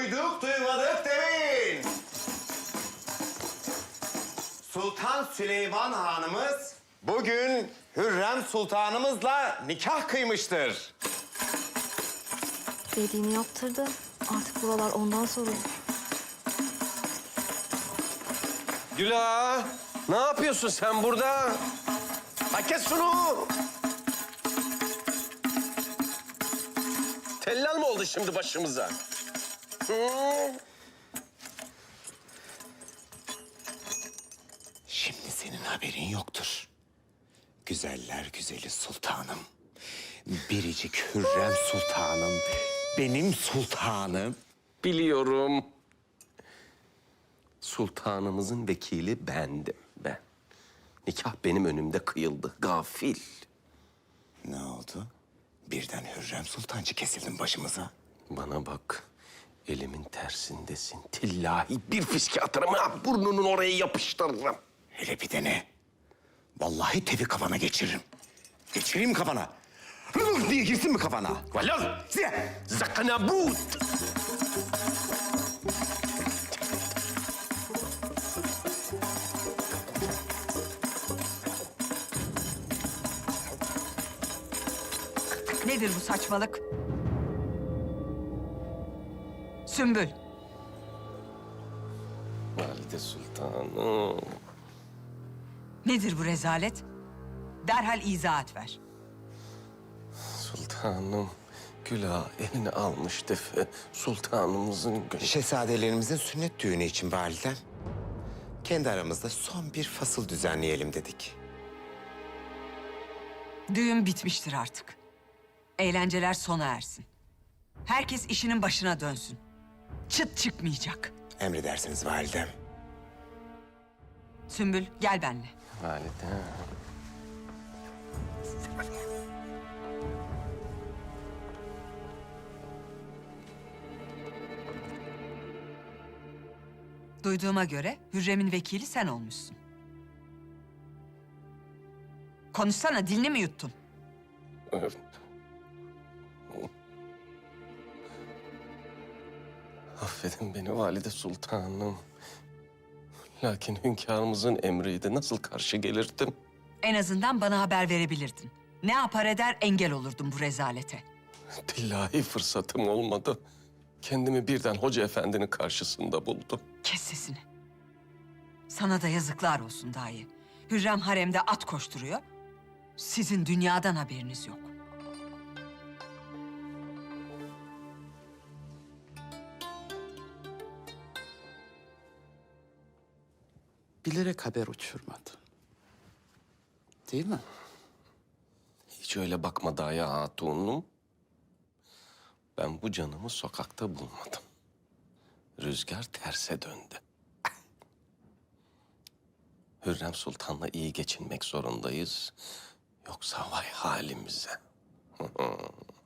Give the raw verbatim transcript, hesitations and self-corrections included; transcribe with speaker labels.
Speaker 1: Duyduk duymadık demeyin. Sultan Süleyman Hanımız bugün Hürrem Sultanımızla nikah kıymıştır.
Speaker 2: Dediğini yaptırdı. Artık buralar ondan sorulur.
Speaker 3: Güla, ne yapıyorsun sen burada? Ha kes şunu. Tellal mı oldu şimdi başımıza? Hı?
Speaker 1: Şimdi senin haberin yoktur. Güzeller güzeli sultanım. Biricik Hürrem Sultanım. Benim sultanım.
Speaker 3: Biliyorum. Sultanımızın vekili bendim ben. Nikah benim önümde kıyıldı. Gafil.
Speaker 1: Ne oldu? Birden Hürrem Sultancı kesildin başımıza.
Speaker 3: Bana bak. Elimin tersindesin. Tillahi bir fiske atarım. Ha, burnunun oraya yapıştırırım.
Speaker 1: Hele bir dene. Vallahi tevi kafana geçiririm. Geçireyim kafana. Rıvık diye girsin mi kafana?
Speaker 3: Valal!
Speaker 1: Size!
Speaker 3: Zakanabut!
Speaker 4: Nedir bu saçmalık? Sümbül,
Speaker 3: Valide Sultanım.
Speaker 4: nedir bu rezalet? Derhal izahat ver.
Speaker 3: Sultanım. Güla elini almış defe sultanımızın gönlü.
Speaker 1: Şehzadelerimizin sünnet düğünü için validem. Kendi aramızda son bir fasıl düzenleyelim dedik.
Speaker 4: Düğün bitmiştir artık. Eğlenceler sona ersin. Herkes işinin başına dönsün. Çıt çıkmayacak.
Speaker 1: Emredersiniz validem.
Speaker 4: Sümbül, gel benimle.
Speaker 3: Valide.
Speaker 4: Duyduğuma göre Hürrem'in vekili sen olmuşsun. Konuşsana, dilini mi yuttun?
Speaker 3: Affedin beni valide sultanım. Lakin hünkârımızın emriydi. Nasıl karşı gelirdim?
Speaker 4: En azından bana haber verebilirdin. Ne yapar eder engel olurdum bu rezalete.
Speaker 3: Tillahi fırsatım olmadı. Kendimi birden hoca efendinin karşısında buldum.
Speaker 4: Kes sesini. Sana da yazıklar olsun dahi. Hürrem haremde at koşturuyor. Sizin dünyadan haberiniz yok.
Speaker 5: Bilerek haber uçurmadı. Değil mi?
Speaker 3: Hiç öyle bakma Daya Hatunum. Ben bu canımı sokakta bulmadım. Rüzgar terse döndü. Hürrem Sultan'la iyi geçinmek zorundayız. Yoksa vay halimize.